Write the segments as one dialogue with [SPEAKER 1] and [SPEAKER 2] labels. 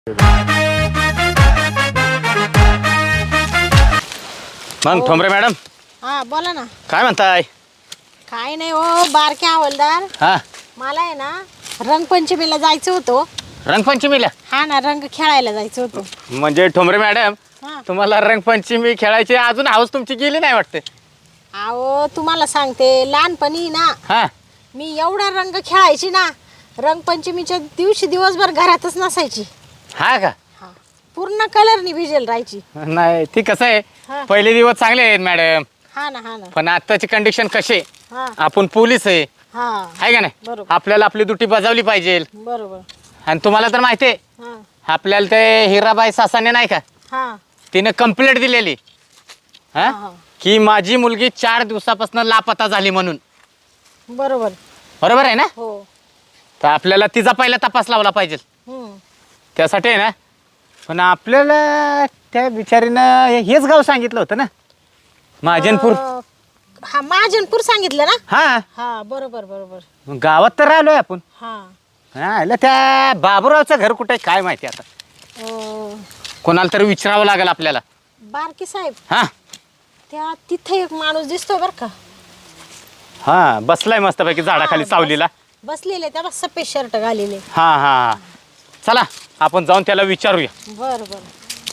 [SPEAKER 1] मग ठोंबरे मॅडम
[SPEAKER 2] हा बोला ना.
[SPEAKER 1] काय म्हणताय?
[SPEAKER 2] काय नाही हो बारके हवालदार,
[SPEAKER 1] हा
[SPEAKER 2] मला आहे ना रंगपंचमीला जायचं होतं.
[SPEAKER 1] रंगपंचमीला?
[SPEAKER 2] हा ना, रंग खेळायला जायचं होतं.
[SPEAKER 1] म्हणजे ठोंबरे मॅडम
[SPEAKER 2] हा.
[SPEAKER 1] तुम्हाला रंगपंचमी खेळायची अजून हौस तुमची गेली नाही वाटते.
[SPEAKER 2] अहो तुम्हाला सांगते, लहानपणी ना
[SPEAKER 1] हा
[SPEAKER 2] मी एवढा रंग खेळायची ना, रंगपंचमीच्या दिवशी दिवसभर घरातच नसायची.
[SPEAKER 1] हा का?
[SPEAKER 2] हा, पूर्ण कलरनी भिजेल राहायची.
[SPEAKER 1] नाही ती कसं आहे,
[SPEAKER 2] हा.
[SPEAKER 1] पहिले दिवस चांगले आहेत मॅडम,
[SPEAKER 2] हा ना हा ना.
[SPEAKER 1] पण आताची कंडिशन कशी आहे,
[SPEAKER 2] हा
[SPEAKER 1] आपण पोलीस आहे
[SPEAKER 2] हा
[SPEAKER 1] आहे का नाही?
[SPEAKER 2] बरोबर.
[SPEAKER 1] आपल्याला आपली ड्युटी बजावली पाहिजे.
[SPEAKER 2] बरोबर.
[SPEAKER 1] आणि तुम्हाला तर माहिती आहे,
[SPEAKER 2] हा
[SPEAKER 1] आपल्याला ते हिराबाई सासाने नाही का,
[SPEAKER 2] हा
[SPEAKER 1] तिने कंप्लेंट दिलेली हा
[SPEAKER 2] हा.
[SPEAKER 1] की माझी मुलगी 4 दिवसापासून लापता झाली म्हणून.
[SPEAKER 2] बरोबर.
[SPEAKER 1] बरोबर आहे ना?
[SPEAKER 2] हो.
[SPEAKER 1] तर आपल्याला तिचा पहिला तपास लावला पाहिजे.
[SPEAKER 2] हम्म.
[SPEAKER 1] त्यासाठी आहे ना, पण आपल्याला त्या बिचारीनं हेच गाव सांगितलं होतं ना, महाजनपूर.
[SPEAKER 2] हा महाजनपूर सांगितलं ना.
[SPEAKER 1] हा
[SPEAKER 2] हा बरोबर बरोबर.
[SPEAKER 1] मग गावात तर राहिलोय आपण.
[SPEAKER 2] हा
[SPEAKER 1] हा इला त्या बाबूरावचं घर कुठे आहे काय माहिती आता. कोणाला तरी विचारावं लागेल आपल्याला.
[SPEAKER 2] बारकी साहेब,
[SPEAKER 1] हा
[SPEAKER 2] त्या तिथे एक माणूस दिसतोय बर का.
[SPEAKER 1] हा बसलाय मस्तपैकी झाडाखाली
[SPEAKER 2] हा,
[SPEAKER 1] सावलीला.
[SPEAKER 2] बसलेले त्या सफेद शर्ट घालेले.
[SPEAKER 1] हा हा चला आपण जाऊन त्याला विचारूया.
[SPEAKER 2] बर बर.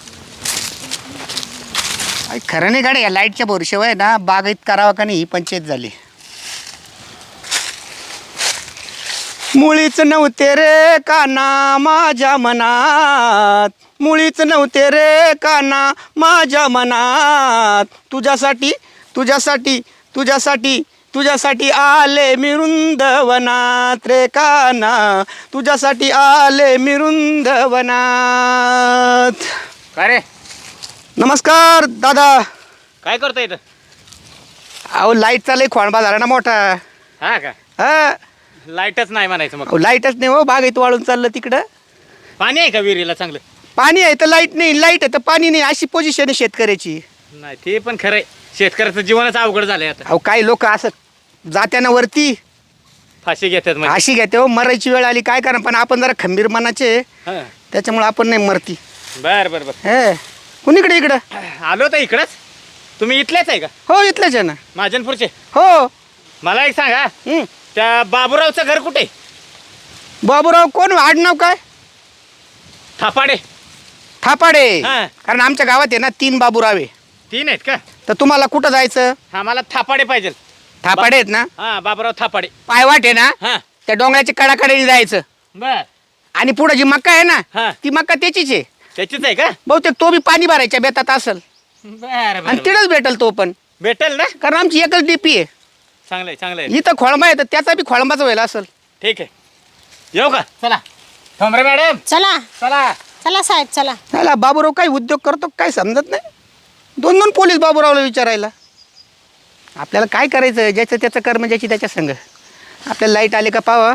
[SPEAKER 3] खरं नाही गाडी, या लाईटच्या भरोश्यावर आहे ना, बागायत करावा का नाही ही पंचायत झाली. मुळीच नव्हते रे काना माझ्या मनात, मुळीच नव्हते रे काना माझ्या मनात, तुझ्यासाठी तुझ्यासाठी तुझ्यासाठी तुझ्यासाठी आले मी वृंदवनात रे काना, तुझ्यासाठी आले मी वृंदवनात.
[SPEAKER 1] काय रे,
[SPEAKER 3] नमस्कार दादा.
[SPEAKER 1] काय करतोय इथं?
[SPEAKER 3] अहो लाईटचा लय खोळंबा झाला ना मोठा.
[SPEAKER 1] हा का?
[SPEAKER 3] हा
[SPEAKER 1] लाईटच नाही म्हणायचं मग.
[SPEAKER 3] अहो लाईटच नाही हो, बागायत वाळून चाललं तिकडं.
[SPEAKER 1] पाणी आहे का विहिरीला चांगलं?
[SPEAKER 3] पाणी आहे तर लाईट नाही, लाईट आहे तर पाणी नाही, अशी पोझिशन आहे शेतकऱ्याची.
[SPEAKER 1] नाही ते पण खरंय, शेतकऱ्याचं जीवनच अवघड झालंय आता.
[SPEAKER 3] अहो काही लोक असं जात्यानं वरती
[SPEAKER 1] फाशी घेतात म्हणजे.
[SPEAKER 3] अशी घेते हो, मरायची वेळ आली काय करा, पण आपण जरा खंबीर मनाचे
[SPEAKER 1] हा.
[SPEAKER 3] त्याच्यामुळे आपण नाही मरती.
[SPEAKER 1] बर बर बर.
[SPEAKER 3] हे कुणीकडे इकडं?
[SPEAKER 1] आलो तर इकडंच. तुम्ही इथलेच आहे का?
[SPEAKER 3] हो इथलेच आहे ना.
[SPEAKER 1] महाजनपूरचे?
[SPEAKER 3] हो.
[SPEAKER 1] मला एक सांगा,
[SPEAKER 3] हं.
[SPEAKER 1] त्या बाबूरावचं घर कुठे?
[SPEAKER 3] बाबूराव कोण, आडनाव काय?
[SPEAKER 1] थापाडे.
[SPEAKER 3] थापाडे.
[SPEAKER 1] हा.
[SPEAKER 3] कारण आमच्या गावात आहे ना 3 बाबूराव आहे.
[SPEAKER 1] 3 आहेत का?
[SPEAKER 3] तर तुम्हाला कुठं जायचं?
[SPEAKER 1] हा मला थापाडे पाहिजे.
[SPEAKER 3] थापाडे आहेत ना,
[SPEAKER 1] हा बाबूराव थापाडे.
[SPEAKER 3] पायवाट आहे ना,
[SPEAKER 1] हा
[SPEAKER 3] त्या डोंगराच्या कडाकडे जायचं.
[SPEAKER 1] बर.
[SPEAKER 3] आणि पुढे जी मक्का आहे ना,
[SPEAKER 1] हा
[SPEAKER 3] ती मक्का त्याचीच आहे.
[SPEAKER 1] त्याचीच आहे का?
[SPEAKER 3] बहुतेक तो बी पाणी भरायच्या बेतात असेल
[SPEAKER 1] बर
[SPEAKER 3] आणि
[SPEAKER 1] बर.
[SPEAKER 3] तिथंच भेटल तो पण,
[SPEAKER 1] भेटेल ना?
[SPEAKER 3] कारण आमची एकच डीपी आहे.
[SPEAKER 1] चांगलंय चांगलंय.
[SPEAKER 3] इथं खोळंबा आहे तर त्याचा बी खोळंबाचा व्हायला असेल.
[SPEAKER 1] ठीक आहे, येऊ का? चला ठोंबरे मॅडम
[SPEAKER 2] चला
[SPEAKER 1] चला.
[SPEAKER 2] चला साहेब चला.
[SPEAKER 3] त्याला बाबूराव काही उद्योग करतो काय समजत नाही. 2 पोलीस बाबूरावला विचारायला. आपल्याला काय करायचं, ज्याचं त्याचं कर्म ज्याची त्याच्या संग. आपल्याला लाईट आले का पावा.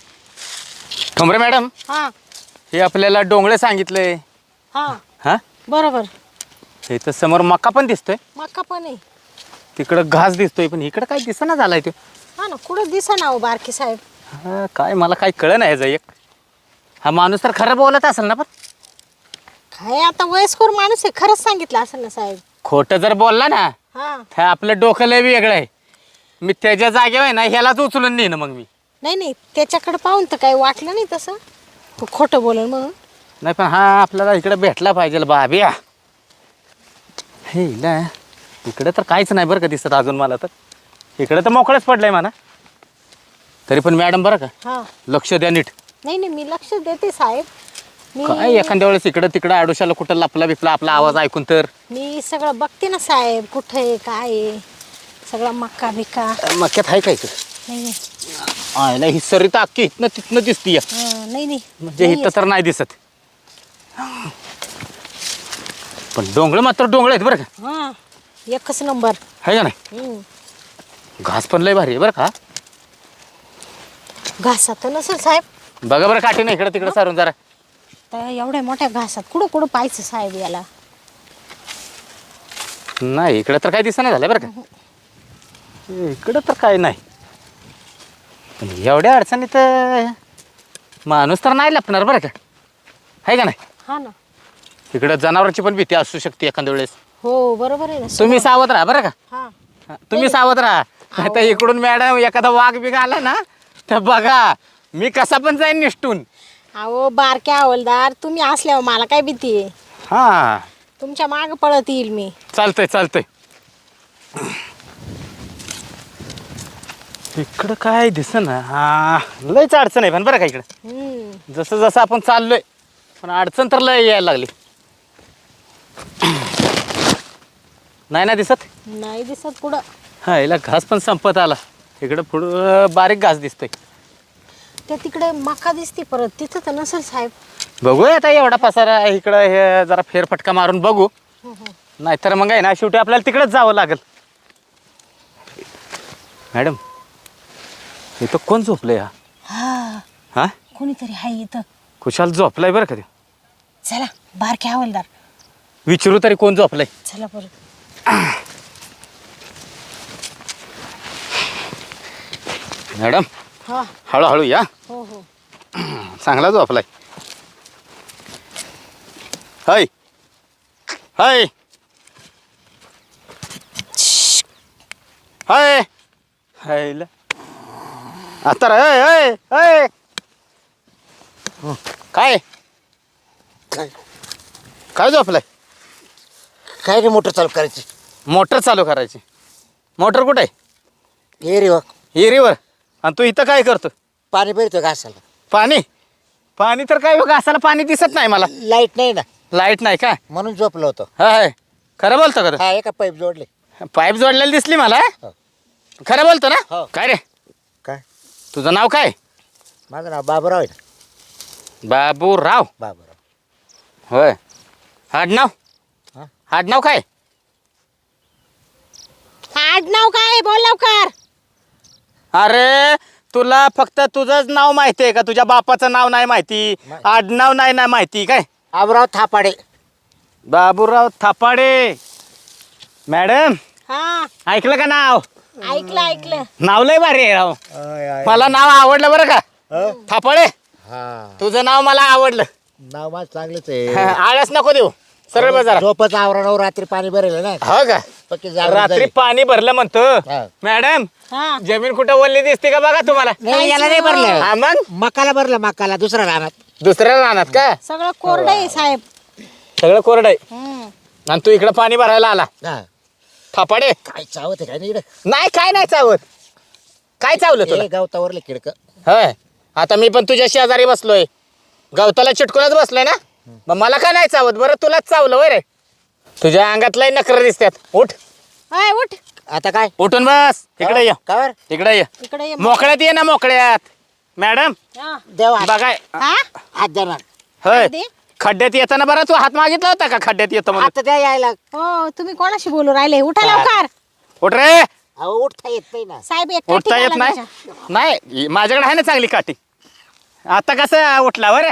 [SPEAKER 1] ठोंबरे मॅडम
[SPEAKER 2] हा
[SPEAKER 1] हे आपल्याला डोंगळे सांगितलंय.
[SPEAKER 2] हा
[SPEAKER 1] हा
[SPEAKER 2] बरोबर.
[SPEAKER 1] हे तर समोर मका पण दिसतोय,
[SPEAKER 2] मक्का पण आहे.
[SPEAKER 1] तिकडं घास दिसतोय, पण इकडं काय दिसना झालाय तो.
[SPEAKER 2] हा ना, कुठं दिसा ना हो बारकी साहेब.
[SPEAKER 1] हा, काय मला काय कळ नाही याचं एक. हा माणूस तर खरं बोलत असेल ना, पण
[SPEAKER 2] काय आता वयस्कर माणूस आहे, खरंच सांगितलं असेल ना साहेब.
[SPEAKER 1] खोटं जर बोलला ना
[SPEAKER 2] हा
[SPEAKER 1] तर आपलं डोकं लय वेगळं आहे. मी त्याच्या जागेवर आहे ना ह्यालाच उचलून नेईन मग मी.
[SPEAKER 2] नाही नाही, त्याच्याकडे पाहून तर काही वाटलं नाही तसं, तो खोटं बोलेल म्हणून.
[SPEAKER 1] नाही पण हा आपल्याला इकडे भेटला पाहिजे बाबिया. हे इला इकडे तर काहीच नाही बरं का दिसत अजून मला. तर इकडे तर मोकळंच पडलंय म्हणा. तरी पण मॅडम बरं का
[SPEAKER 2] हा
[SPEAKER 1] लक्ष द्या नीट.
[SPEAKER 2] नाही नाही, मी लक्ष देते साहेब.
[SPEAKER 1] काय एखाद्या वेळेस इकडं तिकडं आडोशाला कुठं लपला बिपला आपला आवाज ऐकून तर.
[SPEAKER 2] मी सगळं बघते ना साहेब, कुठं आहे काय आहे सगळं, मक्का बिक्का.
[SPEAKER 1] मक्यात आहे काय इकडं?
[SPEAKER 2] नाही नाही.
[SPEAKER 1] आहे ना, ही सरी तर अख्खी इथनं तिथनं दिसती या.
[SPEAKER 2] नाही नाही
[SPEAKER 1] म्हणजे
[SPEAKER 2] नाही
[SPEAKER 1] इथं तर नाही दिसत. पण डोंगळ मात्र डोंगळ आहेत बरं का.
[SPEAKER 2] हा एकच नंबर.
[SPEAKER 1] आहे का नाही? घास पण लय भारी आहे बरं का.
[SPEAKER 2] घासात नसेल साहेब.
[SPEAKER 1] बघा बरं काठी नाही इकडं तिकडं सारून जरा.
[SPEAKER 2] तर एवढ्या मोठ्या घासात कुठं कुठं पाहायचं साहेब याला.
[SPEAKER 1] नाही इकडं तर काय दिसना झालं बरं का. इकडं तर काय नाही. पण एवढ्या अडचणीत माणूस तर नाही लपणार बरं का. आहे का नाही?
[SPEAKER 2] हा ना.
[SPEAKER 1] इकडं जनावरांची पण भीती असू शकते एखाद्या वेळेस.
[SPEAKER 2] हो बरोबर आहे ना.
[SPEAKER 1] तुम्ही सावध राहा बरं का.
[SPEAKER 2] हा.
[SPEAKER 1] तुम्ही सावध राहा. आता इकडून मॅडम एखादा वाघ बिघ आला ना तर बघा मी कसा पण जाईन निष्ठून.
[SPEAKER 2] अहो बारक्या हवलदार तुम्ही असल्यावर मला काय भीती आहे.
[SPEAKER 1] हा
[SPEAKER 2] तुमच्या माग पळत येईल मी.
[SPEAKER 1] चालतंय चालतंय. इकडं काय दिसेना. हा लयच अडचण आहे पण बरं का इकडं. जसं जसं आपण चाललोय पण अडचण तर लय यायला लागली. नाही ना दिसत.
[SPEAKER 2] नाही दिसत पुढं.
[SPEAKER 1] हा याला घास पण संपत आला. इकडं पुढं बारीक घास दिसतोय.
[SPEAKER 2] त्या तिकडे मका दिसते परत तिथं तर नसेल साहेब.
[SPEAKER 1] बघूया आता एवढा पसारा आहे इकडं हे जरा फेरफटका मारून बघू. नाहीतर मग आहे ना शेवटी आपल्याला तिकडेच जावं लागेल. मॅडम इथं कोण झोपलंय हा?
[SPEAKER 2] हा
[SPEAKER 1] हा
[SPEAKER 2] कोणीतरी हाय इथं.
[SPEAKER 1] खुशाल झोपलाय बरं का ते.
[SPEAKER 2] चला बारक्या हवलदार
[SPEAKER 1] विचारू तरी कोण झोपलंय.
[SPEAKER 2] चला परत.
[SPEAKER 1] मॅडम
[SPEAKER 2] हा.
[SPEAKER 1] हळूहळू या.
[SPEAKER 2] हो हो.
[SPEAKER 1] चांगला झोपलाय. हाय हाय हाय हाय आता हाय हाय हाय. काय
[SPEAKER 4] काय
[SPEAKER 1] काय झोपलाय.
[SPEAKER 4] काय रे मोटर चालू करायची
[SPEAKER 1] मोटर चालू करायची. मोटर कुठे आहे.
[SPEAKER 4] हे रे वा
[SPEAKER 1] हिरीवर. आणि तू इथं काय करतो.
[SPEAKER 4] पाणी भरतो घासाला
[SPEAKER 1] पाणी पाणी तर काय बघा असाला पाणी दिसत नाही मला.
[SPEAKER 4] लाईट नाही ना
[SPEAKER 1] लाईट नाही का.
[SPEAKER 4] म्हणून झोपलो होतो.
[SPEAKER 1] हाय खरं बोलतो का
[SPEAKER 4] हा एका पाईप जोडले.
[SPEAKER 1] तू? पाईप जोडलेली दिसली मला.
[SPEAKER 4] हो.
[SPEAKER 1] खरं बोलतो ना.
[SPEAKER 4] हो.
[SPEAKER 1] काय रे
[SPEAKER 4] काय
[SPEAKER 1] तुझं नाव काय.
[SPEAKER 4] माझं नाव बाबूराव आहे ना.
[SPEAKER 1] बाबूराव.
[SPEAKER 4] बाबूराव
[SPEAKER 1] होय आडनाव.
[SPEAKER 4] हा?
[SPEAKER 1] आडनाव काय.
[SPEAKER 2] आडनाव काय बोल लवकर.
[SPEAKER 1] अरे तुला फक्त तुझंच नाव माहिती आहे का. तुझ्या बापाचं नाव नाही माहिती. आडनाव नाही ना माहिती काय.
[SPEAKER 4] बाबूराव थापाडे.
[SPEAKER 1] बाबूराव थापाडे. मॅडम
[SPEAKER 2] हा
[SPEAKER 1] ऐकलं का नाव.
[SPEAKER 2] ऐकलं ऐकलं.
[SPEAKER 1] नाव लय भारी आहे राव. मला नाव आवडलं बरं का. थापाडे
[SPEAKER 4] हा
[SPEAKER 1] तुझं नाव मला आवडलं.
[SPEAKER 4] नाव माझं चांगलंच आहे.
[SPEAKER 1] आळस नको देऊ. सरळ बाजार.
[SPEAKER 4] झोपच आवरावर रात्री पाणी भरेल ना
[SPEAKER 1] हो का.
[SPEAKER 4] पक्की जागरण
[SPEAKER 1] रात्री
[SPEAKER 4] झाली.
[SPEAKER 1] पाणी भरलं म्हणतो.
[SPEAKER 4] हा.
[SPEAKER 1] मॅडम
[SPEAKER 2] हा
[SPEAKER 1] जमीन कुठं ओलली दिसते का बघा तुम्हाला.
[SPEAKER 4] नाही याला नाही
[SPEAKER 1] हा
[SPEAKER 4] भरलं.
[SPEAKER 1] मग
[SPEAKER 4] मकाला भरलं मकाला दुसरा राहणार.
[SPEAKER 1] दुसऱ्या रानात का.
[SPEAKER 2] सगळं कोरडं आहे साहेब.
[SPEAKER 1] सगळं कोरडं आहे. आणि तू इकडं पाणी भरायला आला.
[SPEAKER 4] हा
[SPEAKER 1] थापाडे
[SPEAKER 4] काय चावत आहे काय नाही इकडं?
[SPEAKER 1] नाही काय नाही चावत. काय चावलं तुला.
[SPEAKER 4] हे गावतावरले खिडक.
[SPEAKER 1] होय आता मी पण तुझ्या शेजारी बसलोय. गवताला चिटकूनच बसलोय ना. मग मला का नाही चावत बरं. तुलाच चावलं होय रे. तुझ्या अंगातलाही नखरं दिसतात. उठ
[SPEAKER 2] हाय उठ
[SPEAKER 4] आता काय
[SPEAKER 1] उठून बस. इकडे ये
[SPEAKER 4] कावर
[SPEAKER 1] इकडे ये.
[SPEAKER 2] इकडे ये.
[SPEAKER 1] मोकळ्यात ये ना मोकळ्यात. मॅडम
[SPEAKER 2] हा.
[SPEAKER 4] देवा
[SPEAKER 1] बघाय
[SPEAKER 2] हा
[SPEAKER 4] हात देणार.
[SPEAKER 1] होय
[SPEAKER 2] दे.
[SPEAKER 1] खड्ड्यात येताना बरं तू हात मागितला होता का खड्ड्यात येतो म्हणून.
[SPEAKER 4] आता द्या यायला.
[SPEAKER 2] हो तुम्ही कोणाशी बोलू राहिले. उठा लवकर.
[SPEAKER 1] उठ रे.
[SPEAKER 4] अहो उठता येत नाही ना.
[SPEAKER 2] साहेब एक
[SPEAKER 1] उठता
[SPEAKER 2] काठी
[SPEAKER 1] येत
[SPEAKER 2] घाला
[SPEAKER 1] नाही.
[SPEAKER 2] त्याच्या.
[SPEAKER 1] नाही माझ्याकडे आहे ना चांगली काठी. आता कसं उठला बरं.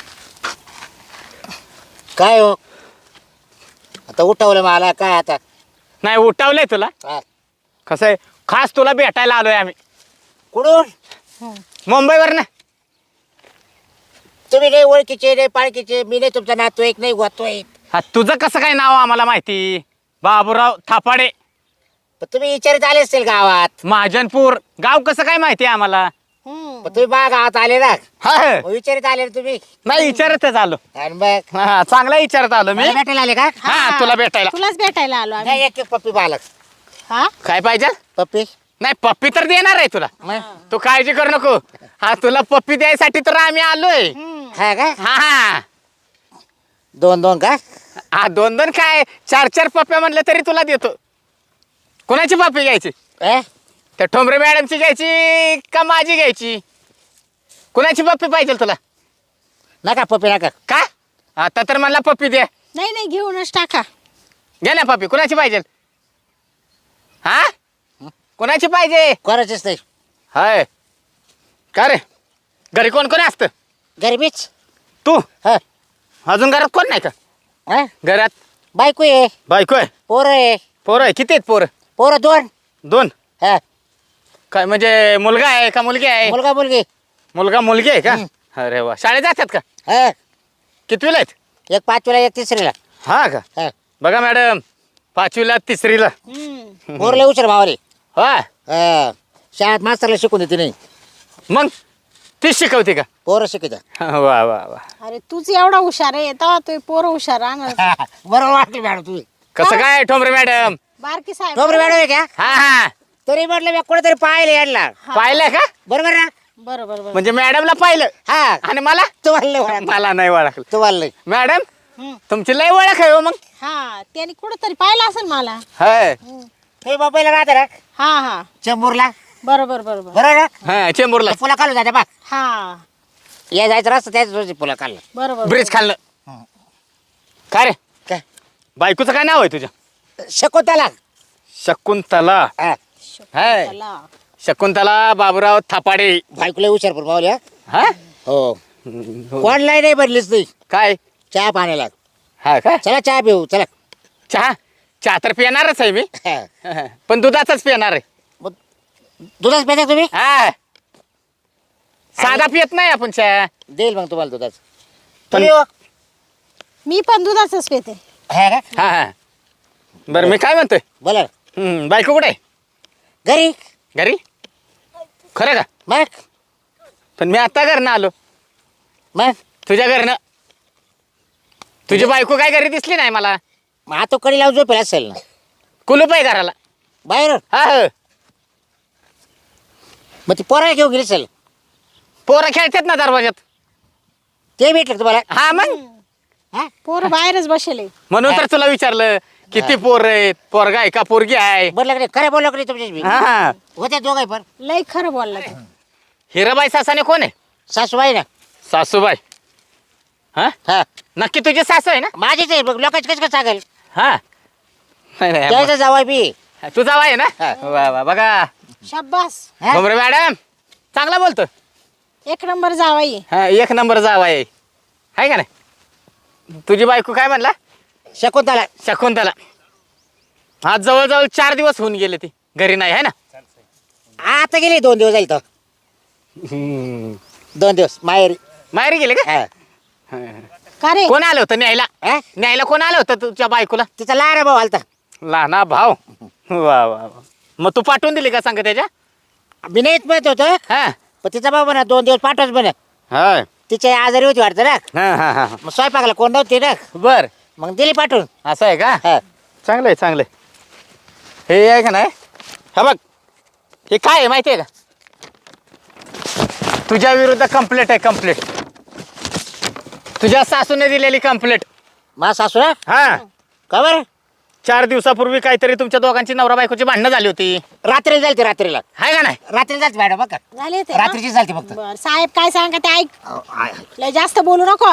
[SPEAKER 4] काय हो आता उठवलं मला काय आता.
[SPEAKER 1] नाही उठावलंय तुला.
[SPEAKER 4] हा.
[SPEAKER 1] कसं आहे खास तुला भेटायला आलोय आम्ही
[SPEAKER 4] कुठून
[SPEAKER 1] मुंबईवर ना.
[SPEAKER 4] तुम्ही नाही ओळखीचे नाही पाळखीचे. मी नाही तुमचा नातवाईक नाही गोतवाईक.
[SPEAKER 1] हा तुझं कसं काय नाव आम्हाला माहिती. बाबूराव थापाडे
[SPEAKER 4] पण तुम्ही विचारित आले असतील गावात.
[SPEAKER 1] महाजनपूर गाव कसं काय माहिती आहे आम्हाला.
[SPEAKER 4] पण तुम्ही बा गावात आले ना.
[SPEAKER 1] हा
[SPEAKER 4] मग विचारित आले ना तुम्ही.
[SPEAKER 1] नाही विचारतच आलो.
[SPEAKER 4] आणि मग
[SPEAKER 1] हा चांगला विचारत आलो मी.
[SPEAKER 4] मला भेटायला आले का.
[SPEAKER 1] हा तुला भेटायला.
[SPEAKER 2] तुलाच भेटायला आलो आम्ही.
[SPEAKER 4] नाही एक एक पप्पी बालक.
[SPEAKER 2] हा
[SPEAKER 1] काय पाहिजे.
[SPEAKER 4] पप्पी
[SPEAKER 1] नाही पप्पी तर देणार आहे तुला. तू काळजी करू नको. हा तुला पप्पी द्यायसाठी तर आम्ही आलोय.
[SPEAKER 4] हा का
[SPEAKER 1] हा हा
[SPEAKER 4] दोन दोन का.
[SPEAKER 1] हा दोन दोन काय चार चार पप्प्या म्हणलं तरी तुला देतो. कोणाची पप्पी घ्यायची.
[SPEAKER 4] ए?
[SPEAKER 1] त्या ठोंबरे मॅडमची घ्यायची का माझी घ्यायची. कुणाची पप्पी पाहिजे तुला.
[SPEAKER 4] नका पप्पी नका.
[SPEAKER 1] का आता तर मला पप्पी दे.
[SPEAKER 2] नाही नाही घेऊनच टाका.
[SPEAKER 1] घे ना पप्पी. कुणाची पाहिजे. हा कोणाची पाहिजे.
[SPEAKER 4] कोणाचीच नाही.
[SPEAKER 1] हाय का रे घरी कोण कोण असतं.
[SPEAKER 4] गरमीच.
[SPEAKER 1] तू
[SPEAKER 4] हा
[SPEAKER 1] अजून घरात कोण नाही का.
[SPEAKER 4] हा?
[SPEAKER 1] घरात
[SPEAKER 4] बायको आहे.
[SPEAKER 1] बायको आहे.
[SPEAKER 4] पोरं आहे.
[SPEAKER 1] पोरं आहे. किती आहेत पोरं.
[SPEAKER 4] पोरं दोन.
[SPEAKER 1] दोन.
[SPEAKER 4] हा
[SPEAKER 1] काय म्हणजे मुलगा आहे का मुलगी आहे.
[SPEAKER 4] मुलगा मुलगी.
[SPEAKER 1] मुलगा मुलगी आहे का. अरे वा शाळेत जातात का.
[SPEAKER 4] हा
[SPEAKER 1] कितवीला आहेत.
[SPEAKER 4] एक 5वीला एक 3रीला.
[SPEAKER 1] हा का
[SPEAKER 4] हा.
[SPEAKER 1] बघा मॅडम 5वीला 3रीला
[SPEAKER 4] पोरले उशीर भावाले.
[SPEAKER 1] हा
[SPEAKER 4] हा. शाळेत मास्तरला शिकून देते नाही,
[SPEAKER 1] मग तीच शिकवते का
[SPEAKER 4] पोरं शिकत.
[SPEAKER 1] वा वा वा
[SPEAKER 2] अरे तूच एवढा हुशार आहे तेव्हा तू पोरं हुशार राहणार.
[SPEAKER 4] बरोबर वाटली मॅडम तुम्ही.
[SPEAKER 1] कसं काय ठोंबरे मॅडम
[SPEAKER 2] बारकी साहेब
[SPEAKER 4] डोबरे मॅडम आहे का?
[SPEAKER 1] हा हा
[SPEAKER 4] तरी म्हटलं मी कुठेतरी पाहिले याडला.
[SPEAKER 1] पाहिलं का
[SPEAKER 4] बरोबर ना?
[SPEAKER 2] बरोबर बरोबर.
[SPEAKER 1] म्हणजे मॅडमला पाहिलं
[SPEAKER 4] हा.
[SPEAKER 1] आणि मला
[SPEAKER 4] तुम्हाला ओळख.
[SPEAKER 1] मला नाही ओळखलं
[SPEAKER 4] तुम्हाला
[SPEAKER 1] मॅडम
[SPEAKER 2] हम्म.
[SPEAKER 1] तुमची लय ओळख आहे हो मग
[SPEAKER 2] हा त्याने कुठंतरी पाहिलं असेल मला.
[SPEAKER 1] हाय
[SPEAKER 4] हे मुंबईला राहते ना,
[SPEAKER 2] हा हा
[SPEAKER 4] चेंबूरला.
[SPEAKER 2] बरोबर बरोबर.
[SPEAKER 4] बरोबर ना?
[SPEAKER 1] हा चेंबूरला
[SPEAKER 4] पुला खालून जाते बा.
[SPEAKER 2] हा
[SPEAKER 4] या जायचं रस्ता त्याच रोजी पुला खाल्लं.
[SPEAKER 2] बरोबर.
[SPEAKER 1] ब्रिज खाल्लं काय रे
[SPEAKER 4] काय
[SPEAKER 1] बायकोचं काय नाव आहे तुझ्या
[SPEAKER 4] शकुंतला.
[SPEAKER 1] शकुंतला
[SPEAKER 4] हा.
[SPEAKER 1] हाय
[SPEAKER 2] चला.
[SPEAKER 1] शकुंतला बाबूराव थापाडे
[SPEAKER 4] बायकोला हुशार पण पावल्या.
[SPEAKER 1] हा
[SPEAKER 4] हो. कोणलाही नाही बनलीच नाही.
[SPEAKER 1] काय
[SPEAKER 4] चहा पाण्याला.
[SPEAKER 1] हा काय
[SPEAKER 4] चला चहा पिऊ चला.
[SPEAKER 1] चहा चहा तर पिणारच आहे मी
[SPEAKER 4] हा.
[SPEAKER 1] पण दुधाचाच पिणार आहे
[SPEAKER 4] मग दुधाच प्यायचा तुम्ही?
[SPEAKER 1] हा साधा पियत नाही आपण चहा
[SPEAKER 4] देईल मग तुम्हाला दुधाच.
[SPEAKER 1] पण-
[SPEAKER 4] तुम्ही हो?
[SPEAKER 2] मी पण दुधाचंच पिते.
[SPEAKER 4] हा का?
[SPEAKER 1] हा हा बरं मी काय म्हणतोय
[SPEAKER 4] बोला ना.
[SPEAKER 1] बायको कुठे आहे
[SPEAKER 4] घरी.
[SPEAKER 1] घरी खरं का
[SPEAKER 4] मग
[SPEAKER 1] पण मी आता घरनं आलो
[SPEAKER 4] मग
[SPEAKER 1] तुझ्या घरनं तुझी बायको काय घरी दिसली नाही मला
[SPEAKER 4] मग आता कडी लावून झोपेल असेल ना
[SPEAKER 1] कुलूप आहे घराला
[SPEAKER 4] बाहेर.
[SPEAKER 1] हा हो.
[SPEAKER 4] मग ती पोराला घेऊन गेली असेल.
[SPEAKER 1] पोरं खेळतात ना दरवाजात
[SPEAKER 4] ते भेटलं का तुम्हाला?
[SPEAKER 1] हा मग
[SPEAKER 4] हा?
[SPEAKER 2] पोरं बाहेरच बसेले.
[SPEAKER 1] म्हणून तर तुला विचारलं किती पोर आहेत पोरगा आहे का पोरगी आहे
[SPEAKER 4] बोललं का नाही? खरं बोललं का नाही तुमच्याशी?
[SPEAKER 1] हा
[SPEAKER 4] होत्या दोघं पण.
[SPEAKER 2] लय खरं बोलला तू.
[SPEAKER 1] हिराबाई सासाने कोण आहे
[SPEAKER 4] सासूबाई ना.
[SPEAKER 1] सासूबाई हा
[SPEAKER 4] हा.
[SPEAKER 1] नक्की तुझी सासू आहे ना
[SPEAKER 4] माझीच आहे. मग लोकांची कसं काय सांगेल?
[SPEAKER 1] हा नाही, नाही,
[SPEAKER 4] त्याचं जावाय बी.
[SPEAKER 1] तू जावा आहे ना
[SPEAKER 4] हा.
[SPEAKER 1] वा वा बघा
[SPEAKER 2] शाब्बास.
[SPEAKER 4] हा?
[SPEAKER 1] भुमरे मॅडम चांगला बोलतो
[SPEAKER 2] एक नंबर जावाई.
[SPEAKER 1] हा एक नंबर जावा आहे का नाही तुझी बायको काय म्हणला
[SPEAKER 4] शकुंतला.
[SPEAKER 1] शकुंतला आज जवळजवळ 4 दिवस होऊन गेले ती घरी नाही आहे ना
[SPEAKER 4] आता गेली 2 दिवस जाईल तर. 2 दिवस माहेरी.
[SPEAKER 1] माहेरी गेले का
[SPEAKER 4] हा.
[SPEAKER 2] का रे
[SPEAKER 1] कोण आलं होतं न्यायला
[SPEAKER 4] हा?
[SPEAKER 1] न्यायला कोण आलं होतं तुझ्या बायकोला
[SPEAKER 4] तिचा लहान भाऊ आलता.
[SPEAKER 1] लहाना भाव वा वा वा मग तू पाठवून दिली का सांग त्याच्या
[SPEAKER 4] मी नाहीच म्हणत होतो.
[SPEAKER 1] हा
[SPEAKER 4] पण तिचा भाऊ म्हणा 2 दिवस पाठवच म्हणा.
[SPEAKER 1] हा
[SPEAKER 4] तिची आजारी होती वाटतं ना.
[SPEAKER 1] हा हा
[SPEAKER 4] मग स्वयंपाकाला कोण नव्हती ना.
[SPEAKER 1] बर
[SPEAKER 4] मग दिली पाठवून.
[SPEAKER 1] असं आहे का
[SPEAKER 4] हा.
[SPEAKER 1] चांगलं आहे चांगलं आहे हे आहे का नाही हा बघ हे काय आहे माहिती आहे का तुझ्या विरुद्ध कंप्लेंट आहे कंप्लेंट तुझ्या सासूने दिलेली कंप्लेंट
[SPEAKER 4] मा सासू ना.
[SPEAKER 1] हा
[SPEAKER 4] का बरं?
[SPEAKER 1] 4 दिवसापूर्वी काहीतरी तुमच्या दोघांची नवरा बायकोची भांडणं झाली होती
[SPEAKER 4] रात्री जालती रात्रीला.
[SPEAKER 1] आहे का नाही
[SPEAKER 4] रात्री जालती मॅडम बघा.
[SPEAKER 2] झाले ते
[SPEAKER 4] रात्रीची चालते फक्त.
[SPEAKER 2] बर साहेब काय सांगा ते ऐक. लय जास्त बोलू नको.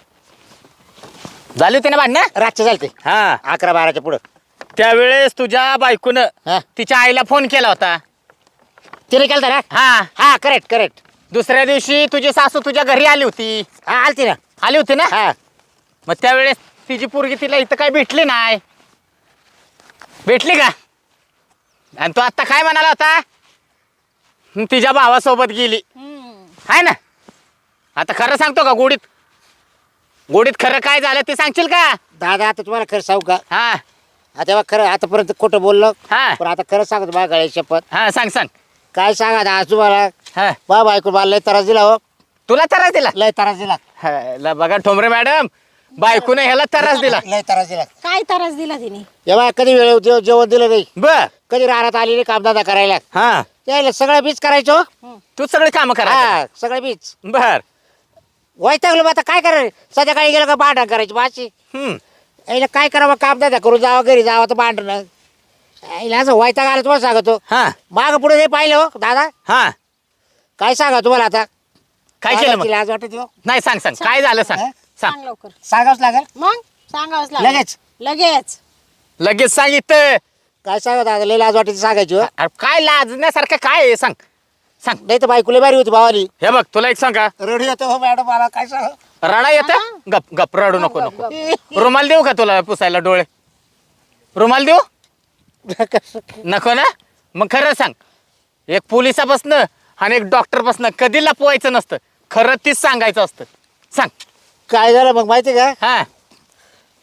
[SPEAKER 1] झाली होती ना भांडणं
[SPEAKER 4] रातची चालते
[SPEAKER 1] हा
[SPEAKER 4] 11-12च्या पुढं.
[SPEAKER 1] त्यावेळेस तुझ्या बायकोनं
[SPEAKER 4] हा.
[SPEAKER 1] तिच्या आईला फोन केला होता
[SPEAKER 4] तिने केलं ना.
[SPEAKER 1] हा
[SPEAKER 4] हा करेक्ट करेक्ट.
[SPEAKER 1] दुसऱ्या दिवशी तुझी सासू तुझ्या घरी आली होती
[SPEAKER 4] हा आलती ना.
[SPEAKER 1] आली होती ना
[SPEAKER 4] हा.
[SPEAKER 1] मग त्यावेळेस तिची पोरगी तिला इथं काय भेटली नाही भेटली का आणि तो आत्ता काय म्हणाला होता तिच्या भावासोबत गेली आहे ना आता खरं सांगतो का गोडीत गोडीत खरं काय झालं ते सांगशील का
[SPEAKER 4] दादा आता तुम्हाला खरं सांगू का?
[SPEAKER 1] हा
[SPEAKER 4] आता खरं आतापर्यंत खोटं बोललो.
[SPEAKER 1] हा
[SPEAKER 4] पण आता खरं सांगतो माझ्या गळ्या शपथ.
[SPEAKER 1] हा सांग सांग
[SPEAKER 4] काय सांगा आता आज तुम्हाला.
[SPEAKER 1] हा
[SPEAKER 4] बा बायको मला लय त्रास दिला हो.
[SPEAKER 1] तुला त्रास दिला
[SPEAKER 4] लय त्रास दिला.
[SPEAKER 1] हा, ला बघा ठोंबरे मॅडम बायकोने ह्याला त्रास दिला
[SPEAKER 4] लय त्रास दिला.
[SPEAKER 2] काय त्रास दिला तिने.
[SPEAKER 4] एव्हा कधी वेळ जेवण दिलं नाही.
[SPEAKER 1] बर
[SPEAKER 4] कधी राहण्यात आली नाही कामधंदा करायला.
[SPEAKER 1] हा
[SPEAKER 4] यायला सगळं बीच करायचो.
[SPEAKER 1] तू सगळे काम करा
[SPEAKER 4] हा सगळं बीच.
[SPEAKER 1] बर
[SPEAKER 4] वैतागलो मग आता काय करायचं. संध्याकाळी गेलं का भांडण करायची माशी. यायला काय करावं कामधंदा करून जावं घरी जावं तर भांडणं. यायला असं वैताग आलं तुम्हाला सांगतो.
[SPEAKER 1] हा
[SPEAKER 4] माग पुढे नाही पाहिलं हो दादा.
[SPEAKER 1] हा
[SPEAKER 4] काय सांगा तुम्हाला आता.
[SPEAKER 1] काय केलं मग
[SPEAKER 4] लाज वाटत हो.
[SPEAKER 1] नाही सांग सांग काय झालं सांग
[SPEAKER 4] हा?
[SPEAKER 1] सांग
[SPEAKER 2] सांग लवकर.
[SPEAKER 4] सांगावंच लागेल.
[SPEAKER 2] मग सांगावंच लागेल.
[SPEAKER 4] लगेच.
[SPEAKER 2] लगेच
[SPEAKER 1] लगेच सांगितलं
[SPEAKER 4] काय सांगा दादा लय लाज वाटायची सांगायची हो.
[SPEAKER 1] अरे काय लाजण्यासारखं काय आहे सांग सांग
[SPEAKER 4] नाही तर बायकोला बारी होती भावाली.
[SPEAKER 1] हे बघ तुला एक सांग का
[SPEAKER 4] रडी होतो हो मॅडम मला काय सांग.
[SPEAKER 1] रडा येतं गप गप रडू नको नको रुमाल देऊ का तुला पुसायला डोळे रुमाल देऊ नको ना मग खरं सांग एक पोलिसापासनं आणि एक डॉक्टरपासनं कधी लपवायचं नसतं खरं तीच सांगायचं असतं सांग
[SPEAKER 4] काय झालं मग माहिती का.
[SPEAKER 1] हा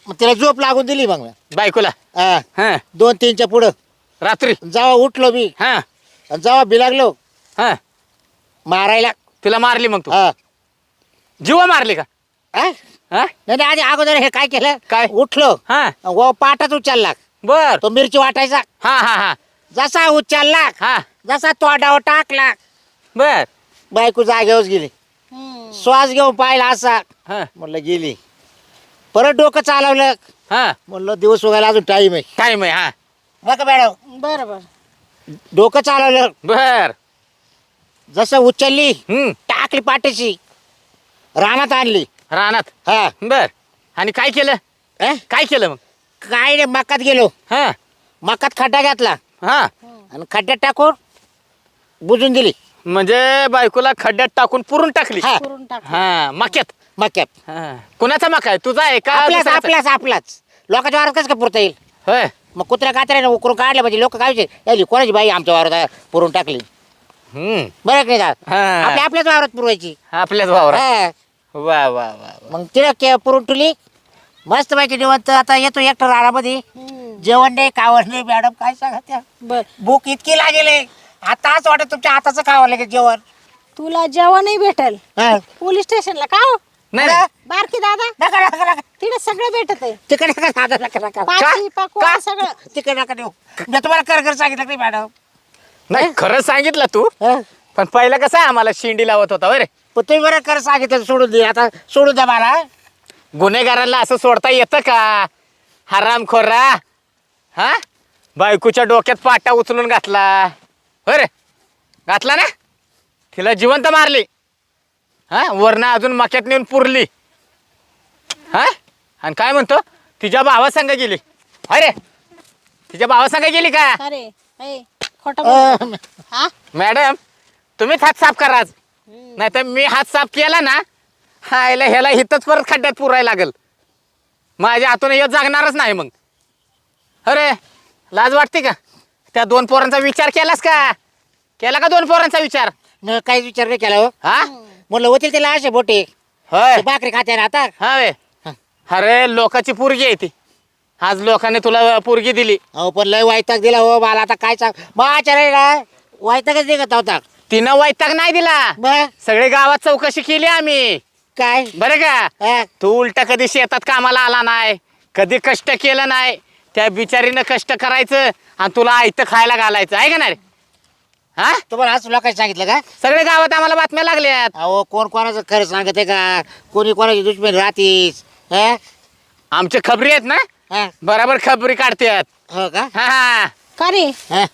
[SPEAKER 4] मग तिला झोप लागून दिली मग मी.
[SPEAKER 1] बायकोला
[SPEAKER 4] हा.
[SPEAKER 1] हा
[SPEAKER 4] 2-3च्या पुढं
[SPEAKER 1] रात्री
[SPEAKER 4] जेव्हा उठलो मी
[SPEAKER 1] हा
[SPEAKER 4] आणि जेव्हा बिलागलो
[SPEAKER 1] हा
[SPEAKER 4] मारायला.
[SPEAKER 1] तिला मारली मग तू
[SPEAKER 4] हा.
[SPEAKER 1] जीवा मारली का
[SPEAKER 4] हा?
[SPEAKER 1] हा
[SPEAKER 4] नाही नाही, आधी अगोदर हे काय केलं
[SPEAKER 1] काय?
[SPEAKER 4] उठलो
[SPEAKER 1] हा
[SPEAKER 4] व पाटाच उचलला.
[SPEAKER 1] बर
[SPEAKER 4] तो मिरची वाटायचा.
[SPEAKER 1] हा हा हा
[SPEAKER 4] जसा उचलला
[SPEAKER 1] हा
[SPEAKER 4] जसा तोंडावर टाकला
[SPEAKER 1] बर
[SPEAKER 4] बायको जागेवर गेली.
[SPEAKER 2] हम्म.
[SPEAKER 4] श्वास घेऊन पाहिला असा
[SPEAKER 1] हा
[SPEAKER 4] म्हणलं गेली. परत डोकं चालवलं
[SPEAKER 1] हा
[SPEAKER 4] म्हणलं दिवस उगायला अजून टाईम आहे.
[SPEAKER 1] टाइम आहे हा
[SPEAKER 4] बघा मॅडम
[SPEAKER 2] बरं बरं.
[SPEAKER 4] डोकं चालवलं
[SPEAKER 1] बर
[SPEAKER 4] जसं उचलली टाकली पाठीशी रानात आणली.
[SPEAKER 1] रानात
[SPEAKER 4] हा
[SPEAKER 1] बर आणि काय केलं
[SPEAKER 4] अ?
[SPEAKER 1] काय केलं मग
[SPEAKER 4] काय नाही मकात गेलो.
[SPEAKER 1] हा
[SPEAKER 4] मकात खड्डा घातला
[SPEAKER 1] हा
[SPEAKER 4] आणि खड्ड्यात टाकून बुजून दिली.
[SPEAKER 1] म्हणजे बायकोला खड्ड्यात टाकून पुरून टाकली
[SPEAKER 4] हा
[SPEAKER 2] करून टाक.
[SPEAKER 1] हा मक्यात
[SPEAKER 4] मक्यात.
[SPEAKER 1] हा. कुणाचा मका आहे तुझा आहे का
[SPEAKER 4] आपल्याच
[SPEAKER 1] दुसऱ्याचा?
[SPEAKER 4] आपल्याच आपलाच लोकांच्या वारात कसं काय पुरता येईल.
[SPEAKER 1] होय
[SPEAKER 4] मग कुत्र्या कात्र्याने उकरून काढले म्हणजे लोक काय यायची कोणाची बाई आमच्या वावरात पुरून टाकली.
[SPEAKER 1] हम्म
[SPEAKER 4] बरं की नाही का?
[SPEAKER 1] हा.
[SPEAKER 4] आपल्या आपल्याच वावरात पुरवायची.
[SPEAKER 1] आपल्याच वावरात
[SPEAKER 4] हा.
[SPEAKER 1] वा वा वा वा.
[SPEAKER 4] मग तिला पुरून ठेवली मस्त पैकी निवंत. आता येतो एकटं रानामध्ये
[SPEAKER 2] हम्म.
[SPEAKER 4] जेवण नाही कावड नाही. मॅडम काय सांगा त्या
[SPEAKER 2] बर
[SPEAKER 4] भूक इतकी लागेले आता असं वाटत तुमच्या हाताचं खावं लागेल जेवण.
[SPEAKER 2] तुला जेवणही भेटल
[SPEAKER 4] हा.
[SPEAKER 2] पोलीस स्टेशनला का हो?
[SPEAKER 1] नाही नाही.
[SPEAKER 2] बारकी दादा
[SPEAKER 4] नका नका नका
[SPEAKER 2] तिथे सगळं भेटत आहे.
[SPEAKER 4] तिकडे नका दादा नका नका
[SPEAKER 2] पाची पकवान सगळं.
[SPEAKER 4] तिकडे नका देऊ. मी तुम्हाला कर सांगितलं नाही मॅडम.
[SPEAKER 1] नाही खरं सांगितलं तू
[SPEAKER 4] हा.
[SPEAKER 1] पण पहिला कसं आम्हाला शिंडी लावत होता बरे
[SPEAKER 4] पण तुम्ही बरं कर सांगितलं सोडून दे. आता सोडून द्या मला.
[SPEAKER 1] गुन्हेगारांना असं सोडता येतं का हरामखोरा हा बायकोच्या डोक्यात पाटा उचलून घातला बरे घातला ना तिला जिवंत मारली हा वरनं अजून मक्यात नेऊन पुरली हा आणि काय म्हणतो तिच्या भावा संग गेली अरे तिच्या भावा संग गेली का
[SPEAKER 2] अरे ए खोटं बोल. हा
[SPEAKER 1] मॅडम तुम्हीच हात साफ करा आज नाही तर मी हात साफ केला ना हायला ह्याला हिथंच परत खड्ड्यात पुरायला लागल माझ्या हातून येत जागणारच नाही मग अरे लाज वाटते का त्या 2 पोरांचा विचार केलास का केला का 2 पोरांचा विचार
[SPEAKER 4] न काहीच विचार नाही केला हो.
[SPEAKER 1] हा
[SPEAKER 4] म्हणलं होतील त्याला असे बोटे
[SPEAKER 1] होय
[SPEAKER 4] ते भाकरी खाते ना आता.
[SPEAKER 1] हा वे अरे लोकाची पोरगी आहे ती आज लोकांनी तुला पोरगी दिली
[SPEAKER 4] अहो पण लय वैताग दिला हो मला. आता काय सांग मग ना वैतागच निघत होता.
[SPEAKER 1] तिनं वैताग नाही दिला
[SPEAKER 4] मग
[SPEAKER 1] सगळे गावात चौकशी केली आम्ही
[SPEAKER 4] काय
[SPEAKER 1] बरं का
[SPEAKER 4] हा.
[SPEAKER 1] तू उलटा कधी शेतात कामाला आला नाही कधी कष्ट केलं नाही त्या बिचारीनं कष्ट करायचं आणि तुला आयतं खायला घालायचं आहे का नाही रे? हा
[SPEAKER 4] तुम्हाला असं लोकांनी सांगितलं का?
[SPEAKER 1] सगळे गावात आम्हाला बातम्या लागल्यात
[SPEAKER 4] अहो कोण कोणाचं खरं सांगत आहे का? कोणी कोणाची दुश्मन राहतीस. हा?
[SPEAKER 1] आमच्या खबरी आहेत ना
[SPEAKER 4] हा.
[SPEAKER 1] बराबर खबरी काढतात
[SPEAKER 4] हो का?
[SPEAKER 1] हा हा
[SPEAKER 2] का रे
[SPEAKER 4] हा.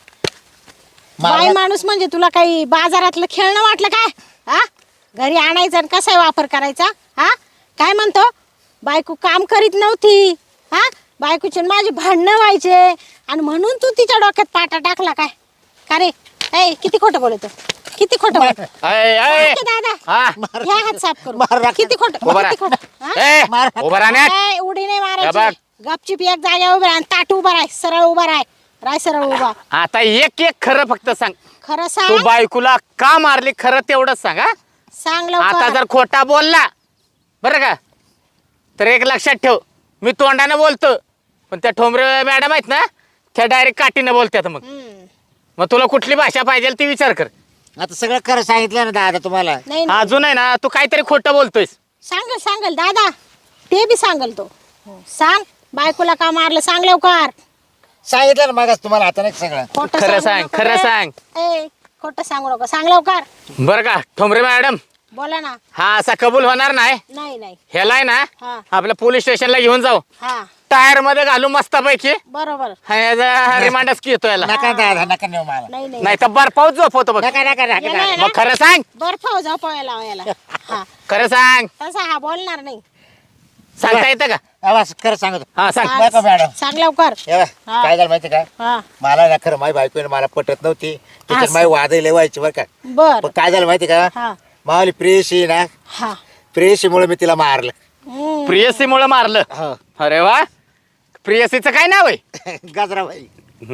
[SPEAKER 2] बाई
[SPEAKER 4] मला-
[SPEAKER 2] माणूस म्हणजे तुला काही बाजारातलं खेळणं वाटलं काय हा घरी आणायचं आणि कसा वापर करायचा हा काय म्हणतो बायको काम करीत नव्हती हा बायकोचे आणि माझे भांडणं व्हायचे आणि म्हणून तू तिच्या डोक्यात पाटा टाकला काय का रे ए किती खोटं बोलतो किती खोटं बोलतो
[SPEAKER 1] अय, अय.
[SPEAKER 2] दादा
[SPEAKER 1] हा
[SPEAKER 2] घ्या हात साफ करू
[SPEAKER 4] मार राख.
[SPEAKER 2] किती खोटं
[SPEAKER 1] उभा
[SPEAKER 2] किती खोटं
[SPEAKER 1] राहा
[SPEAKER 2] हा?
[SPEAKER 1] ए,
[SPEAKER 4] मार.
[SPEAKER 1] उभा राहण्यात
[SPEAKER 2] ए, उडी नाही
[SPEAKER 1] या बघ.
[SPEAKER 2] मारायची गपचिप एक जाग्या उभा राह ताट उभा राह सरळ उभा राह सरळ उभा
[SPEAKER 1] आता एक एक खरं फक्त सांग
[SPEAKER 2] खरं
[SPEAKER 1] तू
[SPEAKER 2] सांग
[SPEAKER 1] बायकोला का मारली खरं तेवढंच सांग हा
[SPEAKER 2] सांग
[SPEAKER 1] आता
[SPEAKER 2] लवकर
[SPEAKER 1] जर खोटा बोलला बरं का तर एक लक्षात ठेव मी तोंडानं बोलतो पण त्या ठोंबरे मॅडम आहेत ना त्या डायरेक्ट काठीनं बोलतात मग
[SPEAKER 2] हम्म.
[SPEAKER 1] मग तुला कुठली भाषा पाहिजे ती विचार कर
[SPEAKER 4] आता सगळं खरं सांगितलं ना दादा तुम्हाला.
[SPEAKER 2] नाही नाही.
[SPEAKER 1] अजून आहे ना तू काहीतरी खोटं बोलतोयस
[SPEAKER 2] सांगल दादा ते बी सांगल तो सांग बायकोला का मारलं सांग लवकर
[SPEAKER 4] सांगितलं ना मगाच तुम्हाला आता नाही सगळं.
[SPEAKER 2] खोटं
[SPEAKER 1] खरं
[SPEAKER 2] सांगू
[SPEAKER 1] सांग,
[SPEAKER 2] नको
[SPEAKER 1] खरं
[SPEAKER 2] रे.
[SPEAKER 1] सांग.
[SPEAKER 2] ए खोटं सांगू नको सांग लवकर
[SPEAKER 1] बरं का ठोंबरे मॅडम
[SPEAKER 2] बोला ना
[SPEAKER 1] हा असा कबूल होणार नाही
[SPEAKER 2] नाही नाही
[SPEAKER 1] ह्याला आहे ना
[SPEAKER 2] हा
[SPEAKER 1] आपल्या पोलीस स्टेशनला घेऊन जाऊ
[SPEAKER 2] हा
[SPEAKER 1] टायर मध्ये घालू मस्तपैकी
[SPEAKER 2] बरोबर
[SPEAKER 1] रिमांडच की येतो याला
[SPEAKER 4] नका दादा नका नेऊ मला.
[SPEAKER 2] नाही नाही
[SPEAKER 1] नाही तर बर्फावर झोपवतो बघ
[SPEAKER 4] नका नका नका
[SPEAKER 2] याला आहे
[SPEAKER 1] मग खरं सांग
[SPEAKER 2] बर्फ झोपायला याला हा
[SPEAKER 1] खरं सांग
[SPEAKER 2] तसा हा बोलणार नाही
[SPEAKER 1] सांगता येतं का
[SPEAKER 4] आवाज खरं सांगतो.
[SPEAKER 1] हा सांग
[SPEAKER 2] सांग.
[SPEAKER 4] नका मॅडम.
[SPEAKER 2] सांग लवकर
[SPEAKER 4] हे बघ,
[SPEAKER 2] हा.
[SPEAKER 4] काय झालं माहिती का?
[SPEAKER 2] हा
[SPEAKER 4] मला ना खरं माझी बायको मला पटत नव्हती त्याच्यात
[SPEAKER 2] असं.
[SPEAKER 4] माझी वादही लय व्हायची बरं का.
[SPEAKER 2] बर
[SPEAKER 4] पण काय झालं माहिती का?
[SPEAKER 2] हा
[SPEAKER 4] मावली प्रेयशी ना
[SPEAKER 2] हा
[SPEAKER 4] प्रेयशीमुळे मी तिला मारलं.
[SPEAKER 2] हम्म.
[SPEAKER 1] प्रियसी मुळे मारलं
[SPEAKER 4] हो.
[SPEAKER 1] अरे वा प्रियसीचं काय नाव आहे
[SPEAKER 4] गजराबाई.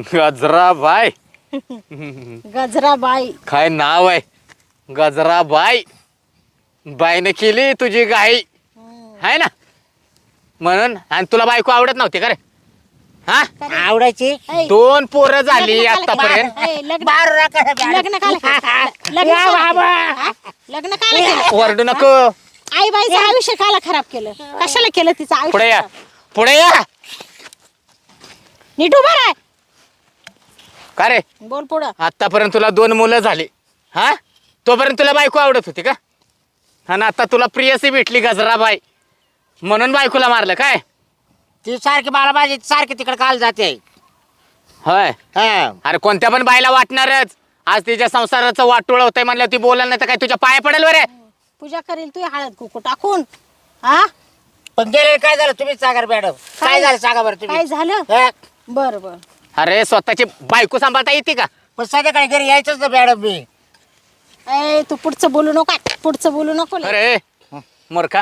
[SPEAKER 1] गजराबाई
[SPEAKER 2] गजराबाई
[SPEAKER 1] काय नाव आहे गजराबाई बाईने केली तुझी गाई आहे ना म्हणून आणि तुला बायको आवडत नव्हती का रे हा
[SPEAKER 4] आवडायची
[SPEAKER 2] ऐ,
[SPEAKER 1] 2 पोरं झाली
[SPEAKER 2] लग्न काला
[SPEAKER 1] आतापर्यंत
[SPEAKER 2] केलं? ऐ, लग्न
[SPEAKER 4] मारू नका मॅडम.
[SPEAKER 2] लग्न काला केलं? लग्न
[SPEAKER 4] या
[SPEAKER 2] काला
[SPEAKER 4] बाबा.
[SPEAKER 2] केलं? हा? लग्न काला केलं?
[SPEAKER 1] ओरडू नको
[SPEAKER 2] आई बाईचं आयुष्य काला खराब केलं कशाला केलं तिचं
[SPEAKER 1] पुढे या
[SPEAKER 2] आयुष्य
[SPEAKER 1] पुढे या
[SPEAKER 2] नीट उभा राह
[SPEAKER 1] का रे
[SPEAKER 2] बोल पुढं
[SPEAKER 1] आतापर्यंत तुला 2 मुलं झाली हा तोपर्यंत तुला बायको आवडत होती का आणि आता तुला प्रियसी भेटली गजराबाई म्हणून बायकोला मारलं काय
[SPEAKER 4] ती सारखी मला माझी सारखी तिकडे काल जाते
[SPEAKER 1] होय
[SPEAKER 4] हा
[SPEAKER 1] अरे कोणत्या पण बाईला वाटणारच आज तिच्या संसाराचं वाटोळ होतंय म्हणलं ती बोलायला नाही तर काय तुझ्या पाया पडेल बरे
[SPEAKER 2] पूजा करेल तू हळद कुकू टाकून हा
[SPEAKER 4] पण गेले काय झालं तुम्हीच सांगा रे मॅडम काय झालं सांगा बरं
[SPEAKER 2] काय
[SPEAKER 4] तुम्ही
[SPEAKER 2] झालं
[SPEAKER 4] हा?
[SPEAKER 2] बर बर
[SPEAKER 1] अरे स्वतःची बायको सांभाळता येते का
[SPEAKER 4] पण संध्याकाळी घरी यायचंच ना मॅडम मी
[SPEAKER 2] ए तू पुढचं बोलू नको पुढचं बोलू नको लय.
[SPEAKER 1] अरे मूर्खा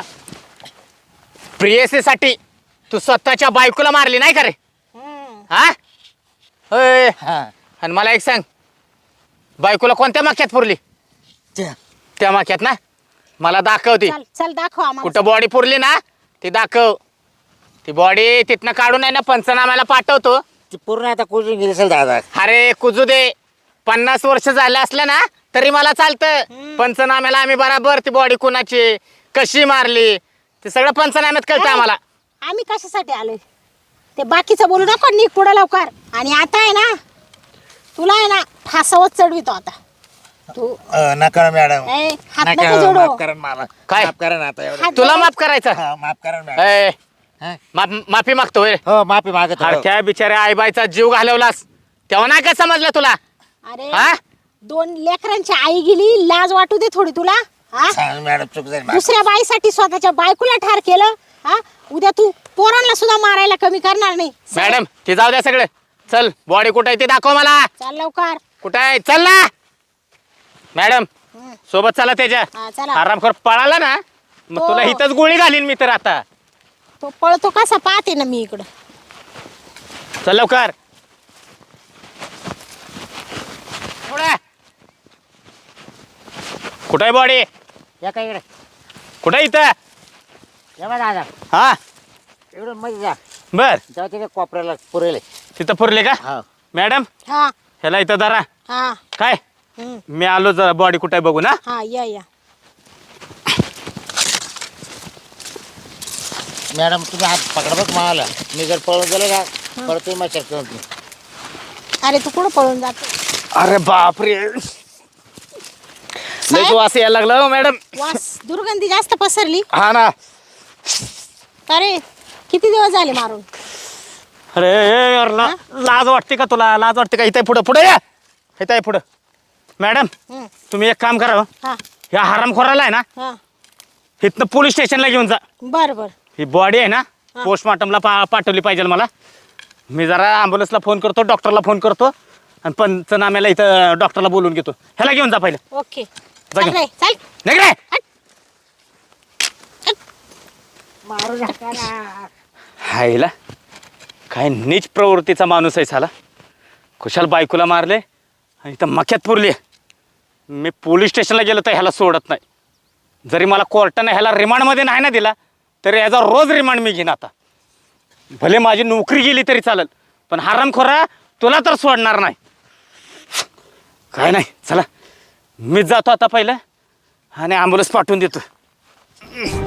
[SPEAKER 1] प्रियसीसाठी तू स्वतःच्या बायकोला मारली नाही का रे
[SPEAKER 2] हम्म.
[SPEAKER 1] हा होय
[SPEAKER 4] हा
[SPEAKER 1] आणि मला एक सांग बायकोला कोणत्या माक्यात पुरली
[SPEAKER 4] त्या.
[SPEAKER 1] त्या माक्यात ना मला दाखवती
[SPEAKER 2] चल चल दाखव आम्हाला
[SPEAKER 1] कुठं बॉडी पुरली ना ती दाखव ती बॉडी तिथनं काढून आहे ना पंचनाम्याला पाठवतो
[SPEAKER 4] ती पूर्ण आता कुजून गेली असेल दादा
[SPEAKER 1] अरे कुजू दे 50 वर्ष झाले असलं ना तरी मला चालतं पंचनाम्याला आम्ही बराबर ती बॉडी कुणाची कशी मारली ते सगळं पंचनाम्यात कळतं आम्हाला
[SPEAKER 2] आम्ही कशासाठी आलोय ते बाकीचं बोलू नको निघ पुढं लवकर आणि आता आहे ना तुला आहे ना फासावत चढवितो आता तू
[SPEAKER 4] नका ना मॅडम
[SPEAKER 2] ए, हात
[SPEAKER 4] नका,
[SPEAKER 2] नको जोडू
[SPEAKER 4] माफ करा ना मला
[SPEAKER 1] काय?
[SPEAKER 4] माफ करा ना आता एवढं.
[SPEAKER 2] हात
[SPEAKER 1] तुला
[SPEAKER 2] जोड.
[SPEAKER 1] माफ करायचं
[SPEAKER 4] हा, माफ करा ना मॅडम
[SPEAKER 1] ए,
[SPEAKER 4] हा?
[SPEAKER 1] माफी मागतोय
[SPEAKER 4] हो माफी मागत
[SPEAKER 1] अरे त्या बिचाऱ्या आईबाईचा जीव घालवलास तेव्हा नाही का समजलं तुला
[SPEAKER 2] अरे
[SPEAKER 1] हा
[SPEAKER 2] 2 लेकरांची आई गेली लाज वाटू दे थोडी तुला हा
[SPEAKER 4] मॅडम चूक झाली माझी.
[SPEAKER 2] दुसऱ्या बाईसाठी स्वतःच्या बायकोला ठार केलं हा उद्या तू पोरांना सुद्धा मारायला कमी करणार नाही
[SPEAKER 1] मॅडम ते जाऊ द्या सगळं चल बॉडी कुठं आहे ते दाखव मला
[SPEAKER 2] चल लवकर
[SPEAKER 1] कुठं आहे चल ना मॅडम
[SPEAKER 2] हम्म.
[SPEAKER 1] सोबत चला त्याच्या
[SPEAKER 2] हा, चला.
[SPEAKER 1] आरामखोर पळाला ना मग
[SPEAKER 2] हो.
[SPEAKER 1] तुला इथंच गोळी घालीन मी तर आता
[SPEAKER 2] तो पळतो कसा पाहते ना मी इकडं
[SPEAKER 1] चल लवकर पुढे. कुठं आहे बॉडी
[SPEAKER 4] या काय इकडे
[SPEAKER 1] कुठं आहे इथं
[SPEAKER 4] या बा दादा
[SPEAKER 1] हा
[SPEAKER 4] इकडून मध्ये जा
[SPEAKER 1] बर
[SPEAKER 4] तेव्हा तिथे कोपऱ्याला पुरेल
[SPEAKER 1] तिथं पुरले का
[SPEAKER 4] हा
[SPEAKER 1] मॅडम
[SPEAKER 2] हा
[SPEAKER 1] ह्याला इथं धरा
[SPEAKER 2] हा
[SPEAKER 1] काय
[SPEAKER 2] हम्म.
[SPEAKER 1] मी आलो जरा बॉडी कुठे बघू ना
[SPEAKER 2] हा या
[SPEAKER 4] मॅडम तुम्ही हात पकडा बघ मला मी जर पळून गेलो का परत तुम्ही मच्छर करून देईन.
[SPEAKER 2] अरे तू कुठं पळून जातो
[SPEAKER 1] अरे बापरे लय वास यायला लागला हो मॅडम
[SPEAKER 2] वास दुर्गंधी जास्त पसरली
[SPEAKER 1] हा ना
[SPEAKER 2] अरे किती दिवस झाले मारून
[SPEAKER 1] अरे यार, लाज वाटते का तुला लाज वाटते का इथे पुढं पुढे या इथं आहे पुढं मॅडम
[SPEAKER 2] हम्म.
[SPEAKER 1] तुम्ही एक काम करा हो.
[SPEAKER 2] हा
[SPEAKER 1] ह्या हरामखोराला आहे ना
[SPEAKER 2] हा
[SPEAKER 1] इथनं पोलीस स्टेशनला घेऊन जा
[SPEAKER 2] बर बर
[SPEAKER 1] ही बॉडी आहे ना पोस्टमॉर्टमला पाठवली पाहिजे मला मी जरा ॲम्ब्युलन्सला फोन करतो डॉक्टरला फोन करतो आणि पंचनाम्याला इथं डॉक्टरला बोलून घेतो ह्याला घेऊन जा पहिले
[SPEAKER 2] ओके
[SPEAKER 1] जा
[SPEAKER 2] चल
[SPEAKER 1] घेऊन.
[SPEAKER 2] रे चल
[SPEAKER 1] नाही रे
[SPEAKER 4] मारू नका ना.
[SPEAKER 1] हायला काय नीच प्रवृत्तीचा माणूस आहे साला कुशाल बायकोला मारले आणि इथं मक्यात पुरली मी पोलीस स्टेशनला गेलो तर ह्याला सोडत नाही जरी मला कोर्टानं ह्याला रिमांडमध्ये नाही ना दिला तरी याचा रोज रिमांड मी घेईन आता भले माझी नोकरी गेली तरी चालेल पण हरामखोरा तुला तर सोडणार नाही काय नाही चला मीच जातो आता पहिलं आणि ॲम्ब्युलन्स पाठवून देतो